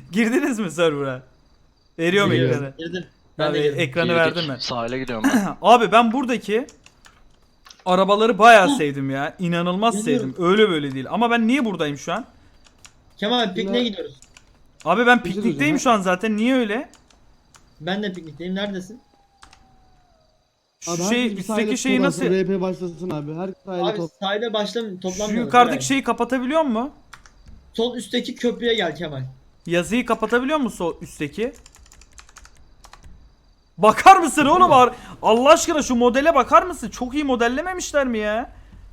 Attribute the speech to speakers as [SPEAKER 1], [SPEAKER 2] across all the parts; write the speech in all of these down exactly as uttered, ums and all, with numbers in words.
[SPEAKER 1] Girdiniz mi server'a? Veriyorum
[SPEAKER 2] Giriyorum.
[SPEAKER 1] ekranı.
[SPEAKER 2] Girdim. Ben
[SPEAKER 1] Abi
[SPEAKER 2] de girdim.
[SPEAKER 1] ekranı
[SPEAKER 3] Girdik.
[SPEAKER 1] verdim ben.
[SPEAKER 3] Sahile gidiyorum ben.
[SPEAKER 1] Abi ben buradaki arabaları bayağı sevdim ya. İnanılmaz
[SPEAKER 2] Biliyorum.
[SPEAKER 1] sevdim. Öyle böyle değil. Ama ben niye buradayım şu an?
[SPEAKER 2] Kemal pikniğe gidiyoruz.
[SPEAKER 1] Abi ben
[SPEAKER 4] Bir şey
[SPEAKER 1] piknikteyim
[SPEAKER 4] söyleyeceğim,
[SPEAKER 1] şu an zaten. Niye öyle?
[SPEAKER 2] Ben de piknikteyim. Neredesin?
[SPEAKER 1] Şu
[SPEAKER 4] Abi
[SPEAKER 1] şey
[SPEAKER 4] herkes bir sahile
[SPEAKER 1] üstteki şeyi
[SPEAKER 4] toplansın,
[SPEAKER 1] nasıl?
[SPEAKER 4] R P başlasın abi. Her sahile
[SPEAKER 2] Abi
[SPEAKER 4] top.
[SPEAKER 2] sahile başlam
[SPEAKER 1] Şu
[SPEAKER 2] toplanmıyoruz.
[SPEAKER 1] yukarıdaki
[SPEAKER 2] Eray.
[SPEAKER 1] şeyi kapatabiliyor mu?
[SPEAKER 2] Sol üstteki köprüye gel Kemal.
[SPEAKER 1] Yazıyı kapatabiliyor musun o üstteki? Bakar mısın oğlum? Ar- Allah aşkına şu modele bakar mısın? Çok iyi modellememişler mi ya?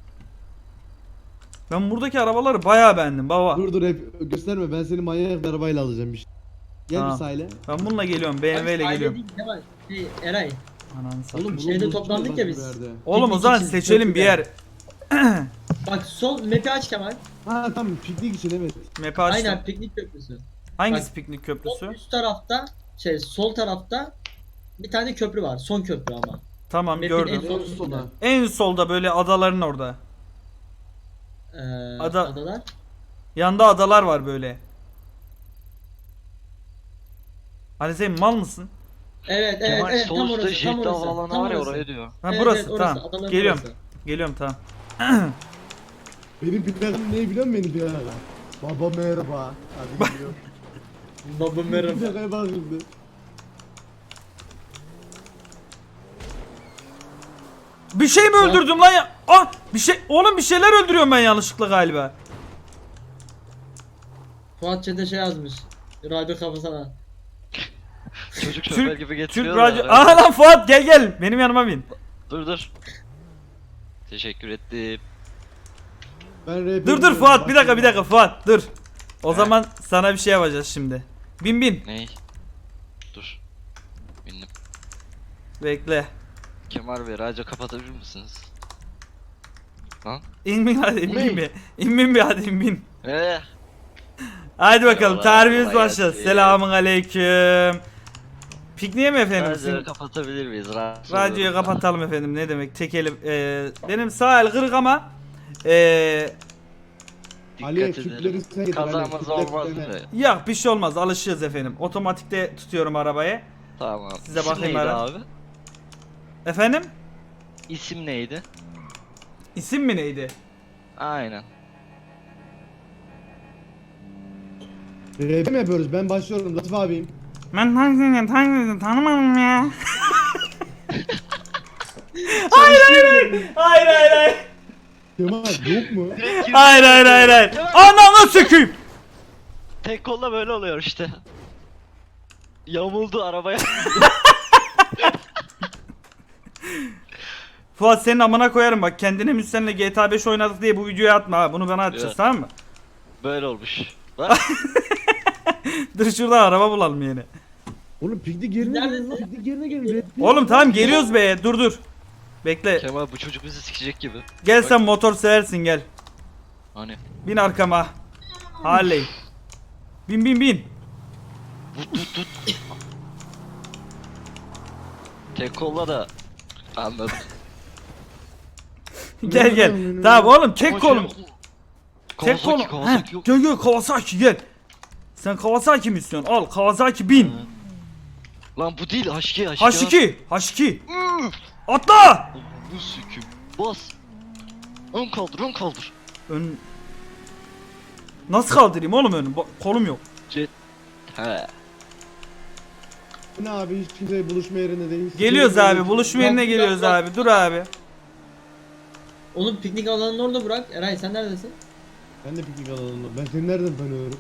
[SPEAKER 1] Ben buradaki arabaları bayağı beğendim baba.
[SPEAKER 4] Dur dur hep gösterme, ben seni manyak bir arabayla alacağım bir şey. Gel
[SPEAKER 1] Tamam.
[SPEAKER 4] bir sahile.
[SPEAKER 1] Ben bununla geliyorum. B M W ile
[SPEAKER 2] Sahile
[SPEAKER 1] geliyorum.
[SPEAKER 2] değil Kemal. Şey, Eray.
[SPEAKER 1] Ananı satayım.
[SPEAKER 4] Oğlum
[SPEAKER 2] Şeyde
[SPEAKER 4] bunu
[SPEAKER 2] toplandık
[SPEAKER 4] buluşturacağız
[SPEAKER 2] ya
[SPEAKER 4] bir
[SPEAKER 2] biz.
[SPEAKER 4] yerde.
[SPEAKER 1] Oğlum o
[SPEAKER 2] piknik
[SPEAKER 1] zaman
[SPEAKER 2] için
[SPEAKER 1] seçelim bir yer.
[SPEAKER 2] Bak sol map'i aç Kemal.
[SPEAKER 4] Ha tamam, piknik için evet.
[SPEAKER 1] Map'i açtım.
[SPEAKER 2] Aynen piknik köprüsü.
[SPEAKER 1] Hangisi
[SPEAKER 2] Bak,
[SPEAKER 1] piknik
[SPEAKER 2] Sol
[SPEAKER 1] köprüsü?
[SPEAKER 2] üst tarafta şey sol tarafta bir tane köprü var. Son köprü ama.
[SPEAKER 1] Tamam
[SPEAKER 2] Map'in
[SPEAKER 1] gördüm.
[SPEAKER 2] en son
[SPEAKER 4] En sona.
[SPEAKER 1] En solda böyle adaların orada.
[SPEAKER 2] Ee,
[SPEAKER 1] Ada-
[SPEAKER 2] adalar.
[SPEAKER 1] Yanda adalar var böyle. Ali sen mal mısın?
[SPEAKER 2] Evet evet
[SPEAKER 3] Kemal
[SPEAKER 2] evet
[SPEAKER 3] sol
[SPEAKER 2] tam
[SPEAKER 3] üstte
[SPEAKER 2] orası tam
[SPEAKER 3] jet
[SPEAKER 2] orası.
[SPEAKER 3] havaalanı
[SPEAKER 2] Tam
[SPEAKER 3] var ya
[SPEAKER 2] orası.
[SPEAKER 3] oraya diyor.
[SPEAKER 1] Ha
[SPEAKER 2] Evet,
[SPEAKER 1] burası
[SPEAKER 2] evet, orası,
[SPEAKER 1] tamam.
[SPEAKER 2] adaların
[SPEAKER 1] Geliyorum.
[SPEAKER 2] orası.
[SPEAKER 1] Geliyorum tamam.
[SPEAKER 4] Benim planım ne biliyor musun benim planım? Baba merhaba. Hadi gidiyor.
[SPEAKER 2] Baba
[SPEAKER 4] Bir
[SPEAKER 2] merhaba.
[SPEAKER 4] dakika bak şimdi.
[SPEAKER 1] Bir şey mi öldürdüm lan ya? Ah bir şey oğlum bir şeyler öldürüyorum ben yanlışlıkla galiba.
[SPEAKER 2] Fuat Çete şey yazmış. Radyo kafasına.
[SPEAKER 3] Çocuk şoför
[SPEAKER 1] Türk,
[SPEAKER 3] gibi
[SPEAKER 1] Türk
[SPEAKER 3] getiriyor
[SPEAKER 1] radyo.
[SPEAKER 3] da.
[SPEAKER 1] Aha lan Fuat gel gel. Benim yanıma bin.
[SPEAKER 3] Dur dur. Teşekkür ettim.
[SPEAKER 4] Ben R P
[SPEAKER 1] Dur dur Fuat bir dakika bir dakika Fuat dur. O zaman sana bir şey yapacağız şimdi. Bin bin.
[SPEAKER 3] Ney? Dur. Bindim.
[SPEAKER 1] Bekle.
[SPEAKER 3] Kemal Bey radyo kapatabilir misiniz? Lan?
[SPEAKER 1] İn bin hadi in
[SPEAKER 3] Ne?
[SPEAKER 1] bin bir. İn bin bir hadi in bin.
[SPEAKER 3] Eee?
[SPEAKER 1] Hadi bakalım
[SPEAKER 3] Eyvallah,
[SPEAKER 1] tarifimiz
[SPEAKER 3] kolay
[SPEAKER 1] başladı.
[SPEAKER 3] gelsin.
[SPEAKER 1] Selamun aleyküm. Pikniğe mi efendim?
[SPEAKER 3] Radyoyu
[SPEAKER 1] Sizin-
[SPEAKER 3] kapatabilir miyiz? Rahatsız
[SPEAKER 1] Radyoyu
[SPEAKER 3] olurum.
[SPEAKER 1] kapatalım efendim ne demek tek elim. Ee, benim sağ el kırık ama ee,
[SPEAKER 4] Ali
[SPEAKER 3] Dikkat
[SPEAKER 4] Türkleri
[SPEAKER 3] edelim.
[SPEAKER 4] sen getir Ali,
[SPEAKER 3] Kazamız
[SPEAKER 4] Türkler
[SPEAKER 3] olmaz
[SPEAKER 4] sen
[SPEAKER 3] değil
[SPEAKER 4] et.
[SPEAKER 3] mi?
[SPEAKER 1] yok bir şey olmaz alışıyoruz efendim. Otomatikte tutuyorum arabayı.
[SPEAKER 3] Tamam.
[SPEAKER 1] Size
[SPEAKER 3] İsim
[SPEAKER 1] bakayım
[SPEAKER 3] neydi
[SPEAKER 1] ara.
[SPEAKER 3] abi?
[SPEAKER 1] Efendim?
[SPEAKER 3] İsim neydi?
[SPEAKER 1] İsim mi neydi?
[SPEAKER 3] Aynen.
[SPEAKER 4] R P mi yapıyoruz? Ben başlıyorum Latif abim.
[SPEAKER 1] Ben hangisini hangisini tanımadım ya.
[SPEAKER 2] Hayır hayır.
[SPEAKER 1] Hayır hayır hayır.
[SPEAKER 4] Kemal yok mu?
[SPEAKER 1] Hayır hayır hayır hayır. Ananı sökeyim.
[SPEAKER 3] Tek kolla böyle oluyor işte. Yamuldu arabaya.
[SPEAKER 1] Fuat senin amına koyarım bak kendine müstenle G T A beş oynadık diye bu videoyu atma ha. Bunu bana atacağız
[SPEAKER 3] Evet.
[SPEAKER 1] tamam mı?
[SPEAKER 3] Böyle olmuş. Bak.
[SPEAKER 1] Dur şuradan araba bulalım yeni.
[SPEAKER 4] Oğlum piknik yerine gelin lan.
[SPEAKER 2] Neredesin?
[SPEAKER 4] Piknik yerine gelin. R P.
[SPEAKER 1] Oğlum tamam geliyoruz be dur dur. Bekle.
[SPEAKER 3] Kemal bu çocuk bizi sikecek gibi.
[SPEAKER 1] Gel
[SPEAKER 3] Bak.
[SPEAKER 1] sen motor seversin gel.
[SPEAKER 3] Hani.
[SPEAKER 1] Bin arkama. Harley. Bin bin bin.
[SPEAKER 3] Tut tut tut. Tek kolla da. Anladım.
[SPEAKER 1] Gel gel. Tamam oğlum tek kolum. Tek kolum.
[SPEAKER 3] Kawasaki, Kawasaki
[SPEAKER 1] Heh,
[SPEAKER 3] yok.
[SPEAKER 1] Gel gel Kawasaki gel. Sen Kawasaki mi istiyorsun? Al Kawasaki bin.
[SPEAKER 3] Lan bu değil H iki H iki.
[SPEAKER 1] H iki. H iki. Atla.
[SPEAKER 3] Bu süküm. Bas. Ön kaldır ön kaldır.
[SPEAKER 1] Ön... Nasıl kaldırayım oğlum önü? Ba- Kolum yok.
[SPEAKER 3] Jet. He.
[SPEAKER 4] Ne abi, hiç kimse buluşma yerine değil.
[SPEAKER 1] Geliyoruz abi. Buluşma yerine
[SPEAKER 2] Bak,
[SPEAKER 1] geliyoruz
[SPEAKER 2] bak,
[SPEAKER 1] abi. Dur abi.
[SPEAKER 2] Oğlum piknik alanını orada bırak. Eray sen neredesin?
[SPEAKER 4] Ben de piknik alanında. Ben seni nereden tanıyorum?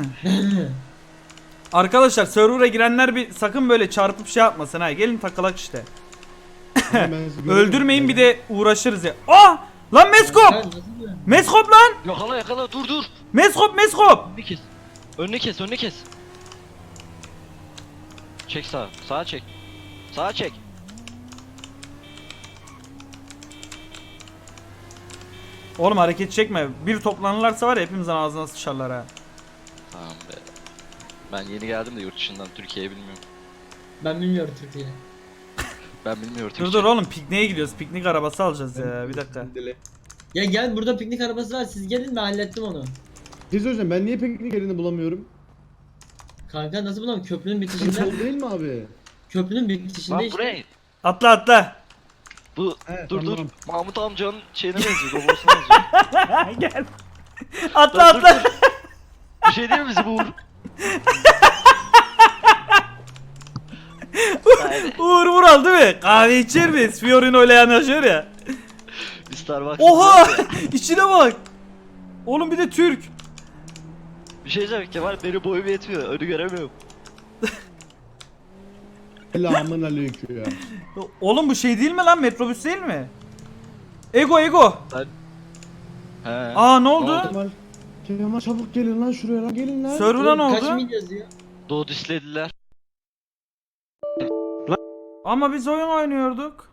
[SPEAKER 1] Arkadaşlar server'a girenler bir sakın böyle çarpıp şey yapmasın ha. Gelin takılak işte.
[SPEAKER 4] Ben sizi görüyorum.
[SPEAKER 1] Öldürmeyin bir de uğraşırız ya. Ah! Lan Meskop!
[SPEAKER 2] Eray, nasıl diyor?
[SPEAKER 1] Meskop lan!
[SPEAKER 3] Yakala yakala dur dur.
[SPEAKER 1] Meskop Meskop!
[SPEAKER 3] Önünü kes. Önünü kes önünü kes. Çek sağa. Sağa çek. Sağa çek.
[SPEAKER 1] Oğlum hareket çekme. Bir toplanırlarsa var ya hepimizin ağzına sıçarlar ha.
[SPEAKER 3] Tamam be. Ben yeni geldim de yurt dışından Türkiye'ye bilmiyorum.
[SPEAKER 2] Ben bilmiyorum Türkiye.
[SPEAKER 3] Ben bilmiyorum
[SPEAKER 1] Dur
[SPEAKER 3] Türkçe.
[SPEAKER 1] dur oğlum pikniğe gidiyoruz. Piknik arabası alacağız ya. Bir dakika.
[SPEAKER 2] Ya gel burada piknik arabası var. Siz gelin ben hallettim onu.
[SPEAKER 4] Bir şey söyleyeceğim, ben niye piknik yerini bulamıyorum?
[SPEAKER 2] Kanka nasıl bulalım? Köprünün
[SPEAKER 4] Bu
[SPEAKER 2] bitişinde.
[SPEAKER 4] sol değil mi abi?
[SPEAKER 2] Köprünün bitişinde
[SPEAKER 3] Lan
[SPEAKER 2] işte.
[SPEAKER 3] buraya.
[SPEAKER 1] Atla atla.
[SPEAKER 3] Bu
[SPEAKER 4] He,
[SPEAKER 3] dur dur.
[SPEAKER 4] tamam.
[SPEAKER 3] Mahmut amcanın şeyine benziyor. Babasına benziyor.
[SPEAKER 1] Gel. Atla
[SPEAKER 3] Dur, dur,
[SPEAKER 1] atla.
[SPEAKER 3] dur. Bir şey değil mi bizi bu Uğur? Haydi.
[SPEAKER 1] Uğur Vural değil mi? Kahve içer miyiz? Fiorino ile yanaşıyor ya.
[SPEAKER 3] Bir Starbucks.
[SPEAKER 1] Oha! İçine bak. Oğlum bir de Türk.
[SPEAKER 3] Bir şey diyeceğim Kemal benim boyum yetmiyor. Önü göremiyorum.
[SPEAKER 4] Selamun aleyküm.
[SPEAKER 1] Oğlum bu şey değil mi lan? Metrobüs değil mi? Ego Ego.
[SPEAKER 3] He.
[SPEAKER 1] Aa ne oldu?
[SPEAKER 3] Ne oldu?
[SPEAKER 4] Kemal. Kemal çabuk gelin lan şuraya lan gelin lan.
[SPEAKER 1] Server'a ne
[SPEAKER 2] Oğlum, Kaç
[SPEAKER 1] oldu?
[SPEAKER 2] mil yazıyor?
[SPEAKER 3] Doğu dislediler.
[SPEAKER 1] Ama biz oyun oynuyorduk.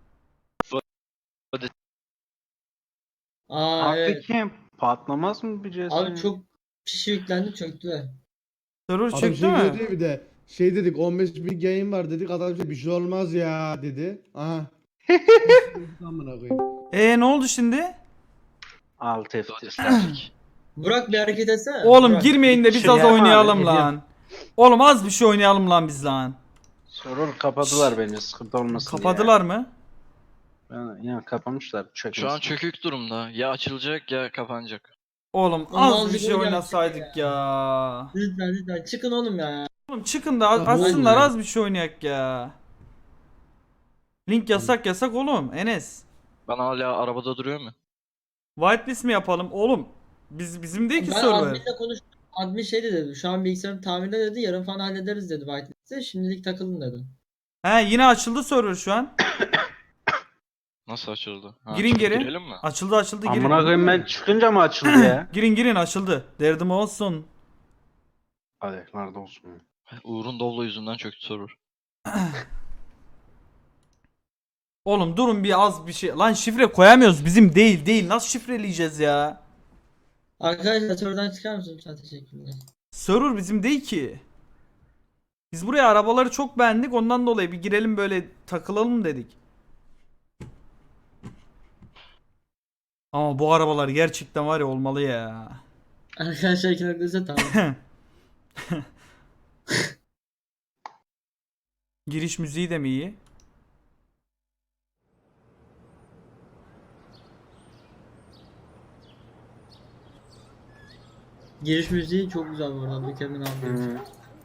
[SPEAKER 2] Aa
[SPEAKER 5] Abi
[SPEAKER 2] evet.
[SPEAKER 5] kim? Patlamaz mı bir C S?
[SPEAKER 2] Abi çok kişi yüklendi çöktüler.
[SPEAKER 1] Server
[SPEAKER 4] Adam
[SPEAKER 1] çıktı
[SPEAKER 4] şey
[SPEAKER 1] mı?
[SPEAKER 4] dedi bir de. Şey dedik on beş bin game var dedik adam şey bir şey olmaz ya dedi. Aha. Amına koyayım.
[SPEAKER 1] Ee ne oldu şimdi?
[SPEAKER 5] Alt F
[SPEAKER 3] Doğu
[SPEAKER 5] T.
[SPEAKER 3] disledik.
[SPEAKER 2] Burak bir hareket etsene.
[SPEAKER 1] Oğlum
[SPEAKER 2] Burak.
[SPEAKER 1] girmeyin de biz
[SPEAKER 5] Şey
[SPEAKER 1] az
[SPEAKER 5] yapma abi,
[SPEAKER 1] oynayalım
[SPEAKER 5] ediyorum.
[SPEAKER 1] lan. Oğlum az bir şey oynayalım lan biz lan.
[SPEAKER 5] Sorun kapadılar bence sıkıntı olmasın
[SPEAKER 1] Kapadılar mı?
[SPEAKER 5] diye. Ben, yani kapamışlar çökmüş.
[SPEAKER 3] Şu an çökük durumda. Ya açılacak ya kapanacak.
[SPEAKER 1] Oğlum
[SPEAKER 2] Oğlum
[SPEAKER 1] az bir
[SPEAKER 2] azıcık
[SPEAKER 1] şey
[SPEAKER 2] oynayalım
[SPEAKER 1] oynasaydık ya.
[SPEAKER 2] Lütfen lütfen çıkın oğlum ya.
[SPEAKER 1] Oğlum çıkın da az-
[SPEAKER 4] Ya,
[SPEAKER 1] açsınlar
[SPEAKER 2] oğlum ya.
[SPEAKER 1] az bir şey oynayak ya. Link yasak yasak oğlum Enes.
[SPEAKER 3] Ben hala arabada duruyor mu?
[SPEAKER 1] Whitelist mi yapalım oğlum? Biz bizim değil ki
[SPEAKER 2] Ben
[SPEAKER 1] server.
[SPEAKER 2] adminle konuştum. Admin şey de dedi. Şu an bilgisayarın tamirde dedi. Yarın falan hallederiz dedi Whitelist'e. Şimdilik takılın dedi.
[SPEAKER 1] He yine açıldı server şu an.
[SPEAKER 3] Nasıl açıldı? Ha,
[SPEAKER 1] Girin
[SPEAKER 3] çıkıp
[SPEAKER 1] geri.
[SPEAKER 3] girelim mi?
[SPEAKER 1] Açıldı açıldı girin.
[SPEAKER 5] Amına koyayım ben çıkınca mı açıldı ya?
[SPEAKER 1] Girin girin açıldı. Derdim olsun.
[SPEAKER 5] Hadi nerede olsun.
[SPEAKER 3] Uğur'un Doblo yüzünden çöktü server.
[SPEAKER 1] Oğlum durun bir az bir şey. Lan şifre koyamıyoruz bizim değil değil. Nasıl şifreleyeceğiz ya?
[SPEAKER 2] Arkadaşlar serverdan çıkar mısın lütfen? Teşekkürler.
[SPEAKER 1] Server bizim değil ki. Biz buraya arabaları çok beğendik ondan dolayı bir girelim böyle takılalım dedik. Ama bu arabalar gerçekten var ya olmalı ya.
[SPEAKER 2] Arkadaşlar iki nokta tamam.
[SPEAKER 1] Giriş müziği de mi iyi?
[SPEAKER 2] Giriş müziği çok güzel bu arada. Mükemmel abi.
[SPEAKER 5] Hı.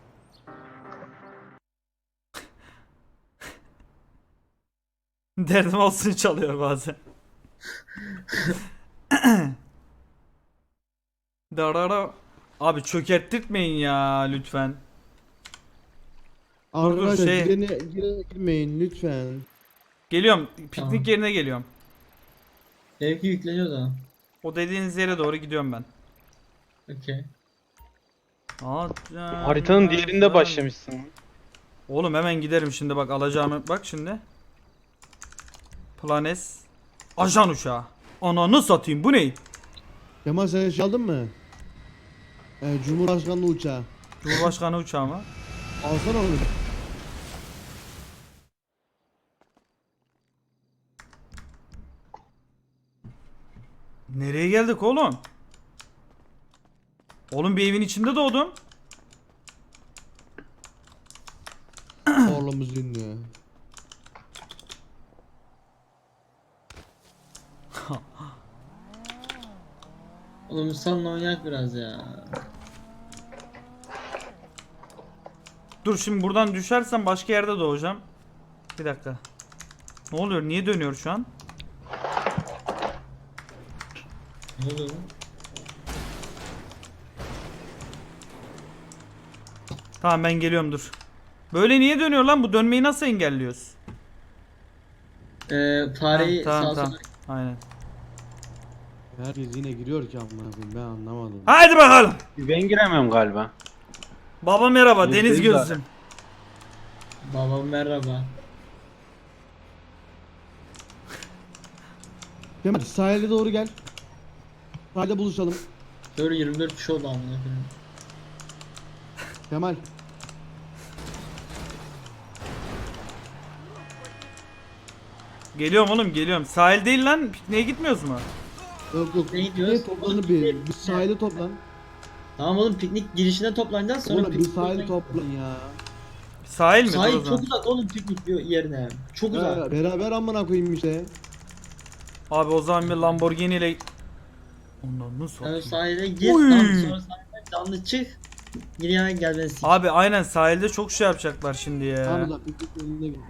[SPEAKER 1] Derdim olsun çalıyor bazen. Darara. Abi çökerttirtmeyin ya lütfen.
[SPEAKER 4] Arkadaşlar
[SPEAKER 1] şey-
[SPEAKER 4] girene, girene girmeyin lütfen.
[SPEAKER 1] Geliyorum. Piknik
[SPEAKER 2] Tamam.
[SPEAKER 1] yerine geliyorum.
[SPEAKER 2] Benimki yükleniyor da.
[SPEAKER 1] O dediğiniz yere doğru gidiyorum ben.
[SPEAKER 2] Okey.
[SPEAKER 6] Haritanın diğerinde başlamışsın.
[SPEAKER 1] Oğlum hemen giderim şimdi bak alacağımı bak şimdi. Planes. Ajan uçağı. Ananı satayım bu ne?
[SPEAKER 4] Kemal sen şey aldın mı? Ee, Cumhurbaşkanlığı uçağı.
[SPEAKER 1] Cumhurbaşkanı uçağı mı?
[SPEAKER 4] Alsana onu.
[SPEAKER 1] Nereye geldik oğlum? Oğlum bir evin içinde doğdum.
[SPEAKER 4] Oğlumuz ünlü.
[SPEAKER 2] Oğlum salın oynayak biraz ya.
[SPEAKER 1] Dur şimdi buradan düşersem başka yerde doğacağım. Bir dakika. Ne oluyor? Niye dönüyor şu an?
[SPEAKER 2] Ne oluyor lan?
[SPEAKER 1] Tamam ben geliyorum dur. Böyle niye dönüyor lan? Bu dönmeyi nasıl engelliyoruz?
[SPEAKER 2] Ee, fareyi
[SPEAKER 1] Ha, tamam
[SPEAKER 2] sağ
[SPEAKER 1] tamam.
[SPEAKER 2] sola.
[SPEAKER 1] Aynen.
[SPEAKER 4] Herkes yine giriyor ki amına koyayım ben anlamadım.
[SPEAKER 1] Haydi bakalım.
[SPEAKER 5] Ben giremiyorum galiba.
[SPEAKER 1] Baba merhaba
[SPEAKER 5] Yüzde
[SPEAKER 1] Deniz
[SPEAKER 5] yüz
[SPEAKER 1] Gözlüm.
[SPEAKER 2] Babam merhaba.
[SPEAKER 4] Kemal sahile doğru gel. Sahilde buluşalım.
[SPEAKER 2] Böyle yirmi dört kişi oldu amına koyayım.
[SPEAKER 4] Kemal.
[SPEAKER 1] Geliyorum oğlum geliyorum. Sahil değil lan. Pikniğe gitmiyoruz mu?
[SPEAKER 4] Yok yok.
[SPEAKER 2] Ne gidiyoruz?
[SPEAKER 4] Ne toplanı bir. Bir sahile toplan.
[SPEAKER 2] Tamam oğlum, piknik girişine toplanacağız sonra
[SPEAKER 4] Oğlum bir
[SPEAKER 2] piknik
[SPEAKER 4] sahil
[SPEAKER 2] yerine-
[SPEAKER 4] toplan ya.
[SPEAKER 1] Sahil mi? Dur o
[SPEAKER 2] Sahil
[SPEAKER 1] zaman.
[SPEAKER 2] çok uzak oğlum piknik yerine. Çok uzak.
[SPEAKER 4] Ya, beraber amına koyayım işte.
[SPEAKER 1] Abi o zaman bir Lamborghini ile ondan nasıl
[SPEAKER 2] Yani
[SPEAKER 1] satayım?
[SPEAKER 2] sahile gir,
[SPEAKER 1] Uy.
[SPEAKER 2] tamam sonra sahilden canlı çık. Gir yana gel beni sik.
[SPEAKER 1] Abi aynen sahilde çok şey yapacaklar şimdi ya.
[SPEAKER 4] Tamam da piknik yerine git.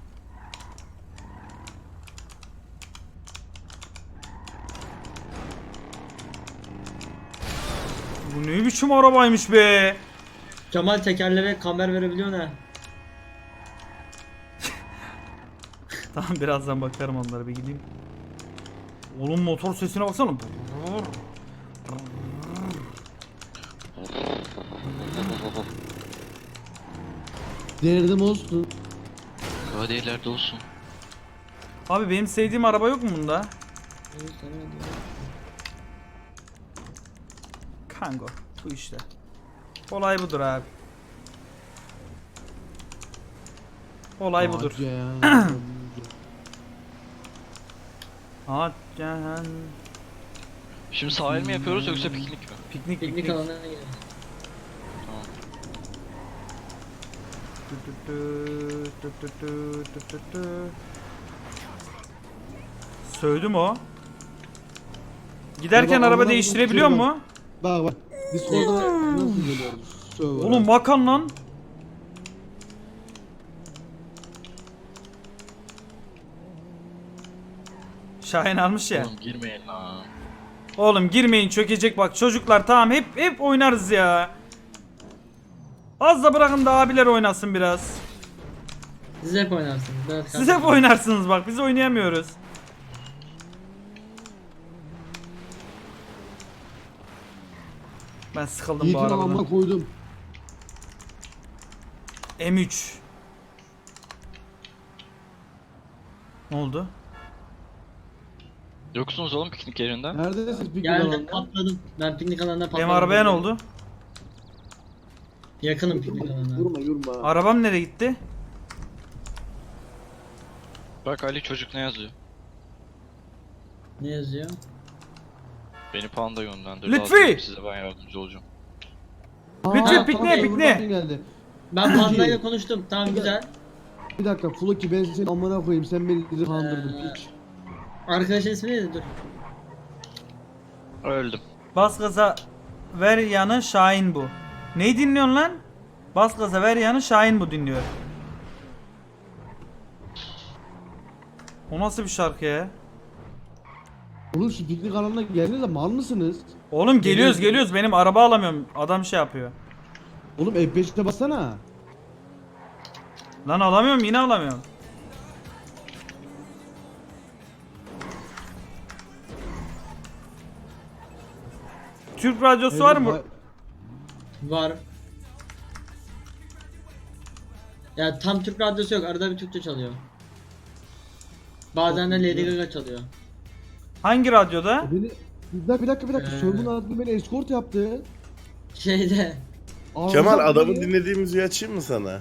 [SPEAKER 1] Bu ne biçim arabaymış be?
[SPEAKER 2] Kemal tekerlere kamer verebiliyor ne?
[SPEAKER 1] Tamam birazdan bakarım onlara, bir gideyim. Oğlum motor sesine baksana.
[SPEAKER 4] Derdim olsun.
[SPEAKER 3] Hadi ileride olsun.
[SPEAKER 1] Abi benim sevdiğim araba yok mu bunda? Kango. Bu işte. Olay budur abi. Olay budur.
[SPEAKER 4] Hacı ya.
[SPEAKER 1] Hacan.
[SPEAKER 3] Şimdi sahil mi yapıyoruz yoksa piknik mi?
[SPEAKER 1] Piknik
[SPEAKER 2] Piknik
[SPEAKER 1] piknik.
[SPEAKER 2] alanına gir.
[SPEAKER 1] Tü tü tü, tü tü tü, tü tü tü. Sövdü mü o? Giderken
[SPEAKER 4] Ya bak,
[SPEAKER 1] araba
[SPEAKER 4] amına
[SPEAKER 1] değiştirebiliyor
[SPEAKER 4] koyayım,
[SPEAKER 1] mu?
[SPEAKER 4] Bak bak. Discord'a nasıl geliyoruz? Server'a.
[SPEAKER 1] Oğlum bakan lan. Şahin almış ya.
[SPEAKER 3] Oğlum girmeyin lan.
[SPEAKER 1] Oğlum girmeyin, çökecek bak çocuklar, tamam hep hep oynarız ya. Az da bırakın da abiler oynasın biraz.
[SPEAKER 2] Siz hep oynarsınız. Evet,
[SPEAKER 1] Siz
[SPEAKER 2] kardeşim.
[SPEAKER 1] hep oynarsınız bak, biz oynayamıyoruz. Ben sıkıldım bu
[SPEAKER 4] Yiğit'in
[SPEAKER 1] arabadan.
[SPEAKER 4] amına koydum.
[SPEAKER 1] M üç. Ne oldu?
[SPEAKER 3] Yoksunuz oğlum piknik yerinde.
[SPEAKER 4] Neredesiniz piknik
[SPEAKER 2] Geldim
[SPEAKER 4] alanında?
[SPEAKER 2] patladım. Ben piknik alanına patladım.
[SPEAKER 1] Benim arabaya ne oldu?
[SPEAKER 2] Yakınım piknik alanına.
[SPEAKER 4] Yurma yurma.
[SPEAKER 1] Arabam nereye gitti?
[SPEAKER 3] Bak Ali çocuk ne yazıyor?
[SPEAKER 2] Ne yazıyor?
[SPEAKER 3] Beni panda yönlendirdi.
[SPEAKER 1] Lütfi!
[SPEAKER 3] Lazım, size ben yardımcı olacağım.
[SPEAKER 1] Lütfi,
[SPEAKER 4] Aa,
[SPEAKER 1] pikniğe,
[SPEAKER 4] tamam,
[SPEAKER 1] pikniğe.
[SPEAKER 4] Yurma geldi.
[SPEAKER 2] Ben
[SPEAKER 4] Peki.
[SPEAKER 2] pandayla konuştum. Tamam güzel.
[SPEAKER 4] Bir dakika Floki, ben seni amına koyayım, sen beni bizi kandırdın
[SPEAKER 2] Ee,
[SPEAKER 4] piç.
[SPEAKER 2] Arkadaşın ismi neydi? Dur.
[SPEAKER 3] Öldüm.
[SPEAKER 1] Bas gaza ver yanı Şahin bu. Neyi dinliyorsun lan? Bas gaza ver yanı Şahin bu dinliyor. O nasıl bir şarkı ya?
[SPEAKER 4] Oğlum şu piknik alanına geldiniz de mal mısınız?
[SPEAKER 1] Oğlum geliyoruz geliyoruz, benim araba alamıyorum. Adam şey yapıyor.
[SPEAKER 4] Oğlum F beşe bassana.
[SPEAKER 1] Lan alamıyorum, yine alamıyorum. Türk radyosu var mı?
[SPEAKER 2] Var. Ya tam Türk radyosu yok. Arada bir Türkçe çalıyor. Bazen de Lady Gaga çalıyor.
[SPEAKER 1] Hangi radyoda?
[SPEAKER 4] Beni bir dakika bir dakika bir dakika.
[SPEAKER 2] Ee.
[SPEAKER 4] Sörgün adlı beni escort yaptı.
[SPEAKER 2] Şeyde.
[SPEAKER 4] Ağzına
[SPEAKER 7] Kemal adamın
[SPEAKER 4] beni-
[SPEAKER 7] dinlediği müziği açayım mı sana?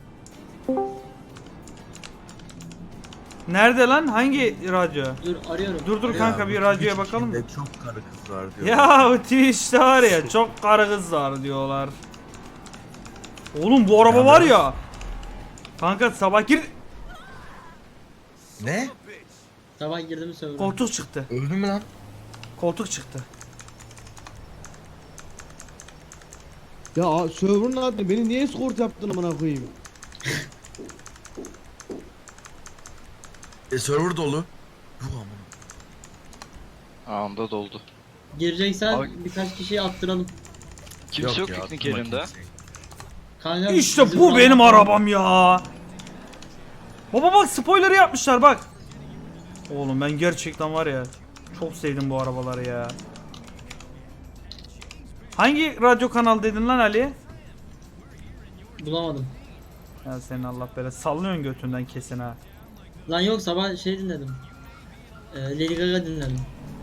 [SPEAKER 1] Nerede lan? Hangi radyo?
[SPEAKER 2] Dur arıyorum.
[SPEAKER 1] Dur dur
[SPEAKER 2] Arıyorum.
[SPEAKER 1] kanka, bir radyoya bakalım mı?
[SPEAKER 7] Çok karı kız var diyor.
[SPEAKER 1] Ya o Twitch'te var ya, çok karı kız var diyorlar. Oğlum bu araba var ya. Kanka sabah gir,
[SPEAKER 8] Ne?
[SPEAKER 2] Sabah girdim server'a.
[SPEAKER 1] koltuk çıktı.
[SPEAKER 8] Öldün mü lan?
[SPEAKER 1] Koltuk çıktı.
[SPEAKER 4] Ya a- server'ın adı beni niye escort yaptın amına koyayım?
[SPEAKER 8] E server dolu. Yuh aman.
[SPEAKER 3] Anında doldu.
[SPEAKER 2] Gireceksen
[SPEAKER 3] Abi-
[SPEAKER 2] birkaç kişiyi attıralım.
[SPEAKER 3] Kimse yok,
[SPEAKER 8] ya,
[SPEAKER 3] piknik
[SPEAKER 8] attırma
[SPEAKER 3] yerinde.
[SPEAKER 8] kimseyi.
[SPEAKER 2] Kanka,
[SPEAKER 1] İşte
[SPEAKER 2] bizim
[SPEAKER 1] bu benim
[SPEAKER 2] araba-
[SPEAKER 1] arabam ya. Baba bak, spoiler'ı yapmışlar bak. Oğlum ben gerçekten var ya, çok sevdim bu arabaları ya. Hangi radyo kanal dedin lan Ali?
[SPEAKER 2] Bulamadım.
[SPEAKER 1] Ya senin Allah böyle sallıyorsun götünden kesin ha.
[SPEAKER 2] Lan yok, sabah şey dinledim. Ee, Lady Gaga dinledim.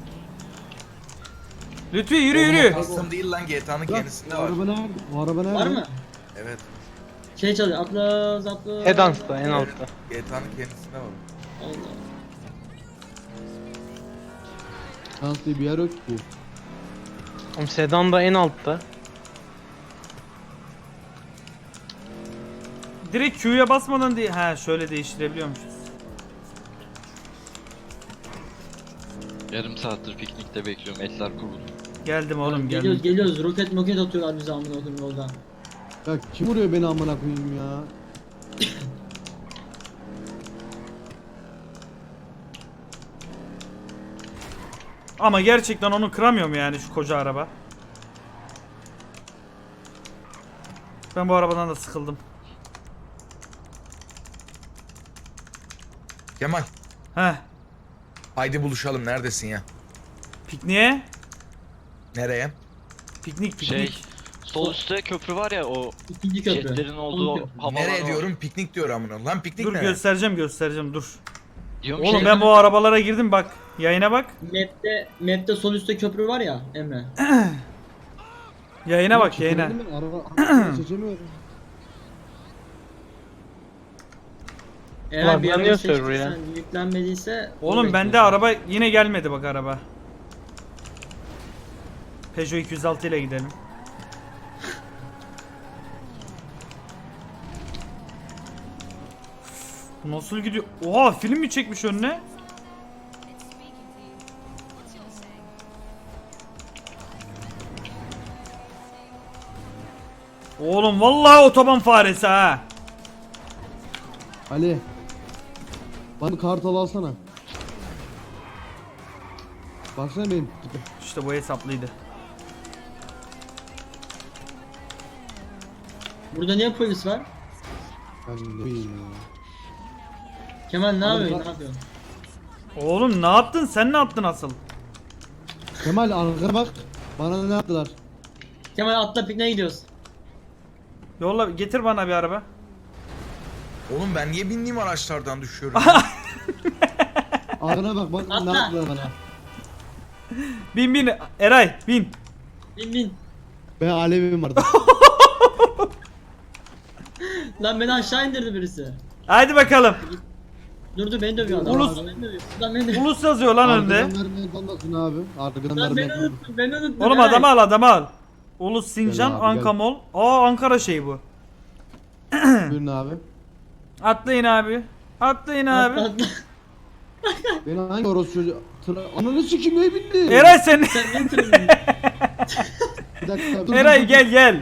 [SPEAKER 1] Lütfi yürü yürü.
[SPEAKER 8] Custom değil lan G T A'nın
[SPEAKER 4] Lan,
[SPEAKER 8] kendisinde
[SPEAKER 4] o
[SPEAKER 8] var.
[SPEAKER 4] araba nerede? O araba nerede?
[SPEAKER 2] Var mı?
[SPEAKER 8] Evet.
[SPEAKER 2] Şey çalıyor. Atlas atlas.
[SPEAKER 6] Sedans'ta en altta.
[SPEAKER 8] G T A'nın kendisinde var.
[SPEAKER 2] Allah.
[SPEAKER 4] Dans diye bir yer yok ki.
[SPEAKER 6] Oğlum sedan da en altta.
[SPEAKER 1] direkt Q'ya basmadan değil. Ha şöyle değiştirebiliyormuşuz.
[SPEAKER 3] Yarım saattir piknikte bekliyorum. Etler kuruldu.
[SPEAKER 1] Geldim oğlum
[SPEAKER 2] Geliyoruz
[SPEAKER 1] geldim.
[SPEAKER 2] geliyoruz. Roket moket atıyorlar bize amına koyayım yolda.
[SPEAKER 4] Ya kim vuruyor beni amına koyayım ya?
[SPEAKER 1] Ama gerçekten onu kıramıyorum yani şu koca araba. Ben bu arabadan da sıkıldım.
[SPEAKER 8] Kemal.
[SPEAKER 1] Heh.
[SPEAKER 8] Haydi buluşalım. Neredesin ya?
[SPEAKER 1] Pikniğe.
[SPEAKER 8] Nereye?
[SPEAKER 1] Piknik piknik.
[SPEAKER 3] Şey, sol üstte köprü var ya, o
[SPEAKER 2] İkinci köprü.
[SPEAKER 3] jetlerin
[SPEAKER 2] Son
[SPEAKER 3] olduğu
[SPEAKER 2] köprü.
[SPEAKER 3] havalar
[SPEAKER 8] Nereye
[SPEAKER 3] var.
[SPEAKER 8] diyorum? Piknik diyor amına. Lan piknik
[SPEAKER 1] Dur
[SPEAKER 8] ne?
[SPEAKER 1] göstereceğim göstereceğim dur.
[SPEAKER 3] Diyorum
[SPEAKER 1] Oğlum
[SPEAKER 3] ki,
[SPEAKER 1] ben bu arabalara girdim bak. Yayına bak.
[SPEAKER 2] Map'te, map'te sol üstte köprü var ya Emre.
[SPEAKER 1] Yayına bak yayına.
[SPEAKER 4] Çekemedim ben, Araba araba seçemiyorum.
[SPEAKER 2] Eğer
[SPEAKER 6] Ulan
[SPEAKER 2] bir
[SPEAKER 6] yanıyor
[SPEAKER 2] araba
[SPEAKER 6] server ya.
[SPEAKER 2] seçtiysen yüklenmediyse onu
[SPEAKER 1] Oğlum bende
[SPEAKER 2] bekliyorsun.
[SPEAKER 1] araba yine gelmedi bak araba. Peugeot iki yüz altı ile gidelim. Bu nasıl gidiyor? Oha film mi çekmiş önüne? Oğlum vallahi otoban faresi ha.
[SPEAKER 4] Ali. Bana bir kartal alsana. Baksana benim tipe.
[SPEAKER 1] İşte bu hesaplıydı.
[SPEAKER 2] Burada niye polis var?
[SPEAKER 4] Ben de bilmiyorum ya.
[SPEAKER 2] Kemal ne
[SPEAKER 4] Oğlum
[SPEAKER 2] yapıyorsun?
[SPEAKER 4] bak-
[SPEAKER 2] Ne yapıyorsun?
[SPEAKER 1] Oğlum ne yaptın? Sen ne yaptın asıl?
[SPEAKER 4] Kemal arkana bak. Bana ne yaptılar?
[SPEAKER 2] Kemal atla pikniğe gidiyoruz.
[SPEAKER 1] Yolla getir bana bir araba.
[SPEAKER 8] Oğlum ben niye bindiğim araçlardan düşüyorum?
[SPEAKER 4] Arkana bak bak
[SPEAKER 2] Atla.
[SPEAKER 4] ne yaptılar bana.
[SPEAKER 1] Bin bin Eray bin.
[SPEAKER 2] Bin bin.
[SPEAKER 4] Ben alevim vardı.
[SPEAKER 2] Lan beni aşağı indirdi birisi.
[SPEAKER 1] Haydi bakalım.
[SPEAKER 2] Dur dur beni dövüyor adam.
[SPEAKER 1] Ulus-
[SPEAKER 2] Lan beni dövüyor. Lan beni dövüyor.
[SPEAKER 1] Ulus yazıyor lan önde.
[SPEAKER 4] Arkadan vermeyi banlasın abi. Arkadan
[SPEAKER 2] Lan beni
[SPEAKER 4] vermeyi
[SPEAKER 2] unuttun beni unuttun.
[SPEAKER 1] Oğlum
[SPEAKER 2] Eray.
[SPEAKER 1] adamı al adamı al. Ulus Sincan
[SPEAKER 4] Gel abi, gel.
[SPEAKER 1] Ankamol. Aa Ankara şeyi bu.
[SPEAKER 4] Buyurun abi.
[SPEAKER 1] Atlayın abi. Atlayın abi.
[SPEAKER 2] Atla atla.
[SPEAKER 4] Beni hangi orospu çocuğu? Tıra... Ananı sikim neye bindi?
[SPEAKER 1] Eray sen.
[SPEAKER 2] Sen ne tırmıyorsun?
[SPEAKER 4] Bir dakika. dur,
[SPEAKER 1] Eray
[SPEAKER 4] dur, dur.
[SPEAKER 1] gel gel.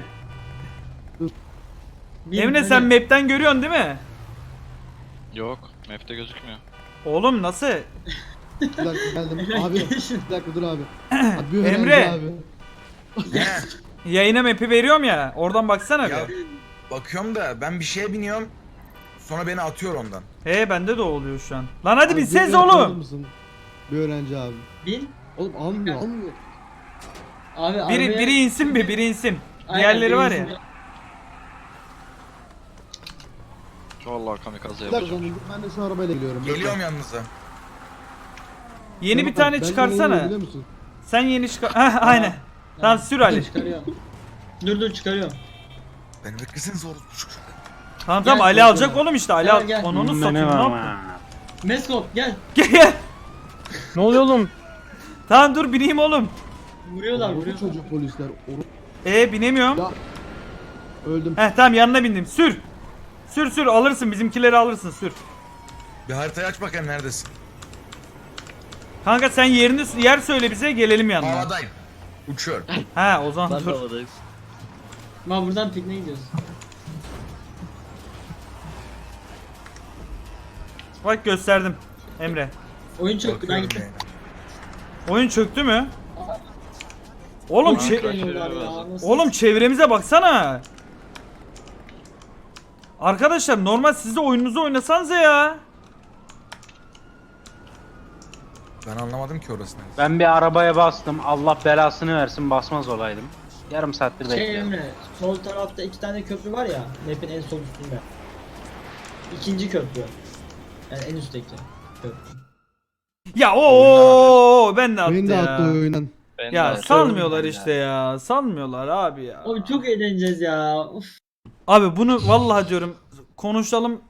[SPEAKER 2] Bin,
[SPEAKER 1] Emre
[SPEAKER 2] hadi.
[SPEAKER 1] sen map'ten görüyorsun değil mi?
[SPEAKER 3] yok, map'te gözükmüyor.
[SPEAKER 1] Oğlum nasıl?
[SPEAKER 4] Bir dakika geldim.
[SPEAKER 2] Eray,
[SPEAKER 4] Abi
[SPEAKER 2] gel şunu.
[SPEAKER 4] bir dakika dur abi. Abi bir öğrenci
[SPEAKER 1] Emre.
[SPEAKER 4] Abi.
[SPEAKER 8] Ne?
[SPEAKER 1] Yayına map'i veriyorum ya. Oradan baksana
[SPEAKER 8] Ya
[SPEAKER 1] bir.
[SPEAKER 8] bakıyorum da ben bir şeye biniyorum. Sonra beni atıyor ondan.
[SPEAKER 1] He bende de oluyor şu an. Lan hadi
[SPEAKER 4] Abi,
[SPEAKER 1] bir ses
[SPEAKER 4] bir öğrenci alır
[SPEAKER 1] oğlum.
[SPEAKER 4] mısın? Bir öğrenci abi.
[SPEAKER 2] Bin.
[SPEAKER 4] Oğlum almıyor almıyor.
[SPEAKER 2] Abi
[SPEAKER 1] Biri
[SPEAKER 2] arabaya-
[SPEAKER 1] biri insin bir biri insin.
[SPEAKER 2] Aynen,
[SPEAKER 1] Diğerleri
[SPEAKER 2] biri
[SPEAKER 1] var ya.
[SPEAKER 2] insin.
[SPEAKER 3] Vallahi kamikaze
[SPEAKER 4] Bir dakika
[SPEAKER 3] yapacağım.
[SPEAKER 4] dur, ben de şu arabayla geliyorum.
[SPEAKER 8] Geliyorum yanınıza.
[SPEAKER 1] Yeni
[SPEAKER 4] Kemal,
[SPEAKER 1] bir tane
[SPEAKER 4] ben de
[SPEAKER 1] çıkarsana.
[SPEAKER 4] neyim biliyor musun?
[SPEAKER 1] Sen yeni çıkar. Heh aynen. Tamam sür Ali.
[SPEAKER 2] Çıkarıyor. Dur dur çıkarıyor.
[SPEAKER 8] Beni bekleseniz orospu çocuk.
[SPEAKER 1] Tamam tamam
[SPEAKER 2] Gel,
[SPEAKER 1] Ali
[SPEAKER 2] gel,
[SPEAKER 1] alacak
[SPEAKER 2] gel.
[SPEAKER 1] oğlum işte Ali
[SPEAKER 2] Gel,
[SPEAKER 1] al.
[SPEAKER 2] gel.
[SPEAKER 1] Onu
[SPEAKER 5] Hmm,
[SPEAKER 1] satayım ne
[SPEAKER 5] benim
[SPEAKER 1] yaptın?
[SPEAKER 5] ama.
[SPEAKER 2] Meskop gel.
[SPEAKER 1] Gel gel.
[SPEAKER 6] Ne oluyor oğlum?
[SPEAKER 1] Tamam dur bineyim oğlum.
[SPEAKER 2] Vuruyorlar
[SPEAKER 4] Orospu
[SPEAKER 2] vuruyorlar.
[SPEAKER 4] çocuk polisler. Oru...
[SPEAKER 1] E binemiyorum.
[SPEAKER 4] Ya. Öldüm.
[SPEAKER 1] Heh tamam yanına bindim. Sür. Sür sür alırsın bizimkileri alırsın sür.
[SPEAKER 8] Bir haritayı aç bakayım neredesin?
[SPEAKER 1] Kanka sen yerini yer söyle bize gelelim yanına.
[SPEAKER 8] Havadayım. Uçuyorum.
[SPEAKER 1] Ha o zaman
[SPEAKER 3] Ben de
[SPEAKER 1] dur.
[SPEAKER 3] havadayız.
[SPEAKER 2] Ma buradan pikniğe gidiyoruz.
[SPEAKER 1] Bak gösterdim. Emre.
[SPEAKER 2] Oyun çöktü ben
[SPEAKER 8] Bakıyorum
[SPEAKER 2] gittim.
[SPEAKER 8] yayına.
[SPEAKER 1] Oyun çöktü mü? Oğlum
[SPEAKER 3] Ulan
[SPEAKER 1] çe-
[SPEAKER 3] kaç-
[SPEAKER 2] Deniyorlar ya, nasıl-
[SPEAKER 1] Oğlum çevremize baksana. Arkadaşlar normal siz de oyununuzu oynasanıza ya.
[SPEAKER 8] Ben anlamadım ki orasını.
[SPEAKER 5] Ben bir arabaya bastım. Allah belasını versin, basmaz olaydım. Yarım saattir
[SPEAKER 2] Şey
[SPEAKER 5] bekliyorum.
[SPEAKER 2] Emre, sol tarafta iki tane köprü var ya, map'in en sol üstünde. İkinci köprü. Yani en üstteki köprü.
[SPEAKER 1] Ya o ben de attı
[SPEAKER 4] Beni de attı
[SPEAKER 1] ya.
[SPEAKER 4] oyundan.
[SPEAKER 3] Ben de
[SPEAKER 1] Ya
[SPEAKER 3] atıyorum
[SPEAKER 1] salmıyorlar
[SPEAKER 3] ben
[SPEAKER 1] işte
[SPEAKER 3] de.
[SPEAKER 1] ya. Salmıyorlar abi ya.
[SPEAKER 2] Oğlum çok eğleneceğiz ya. Uf.
[SPEAKER 1] Abi bunu vallahi diyorum konuşalım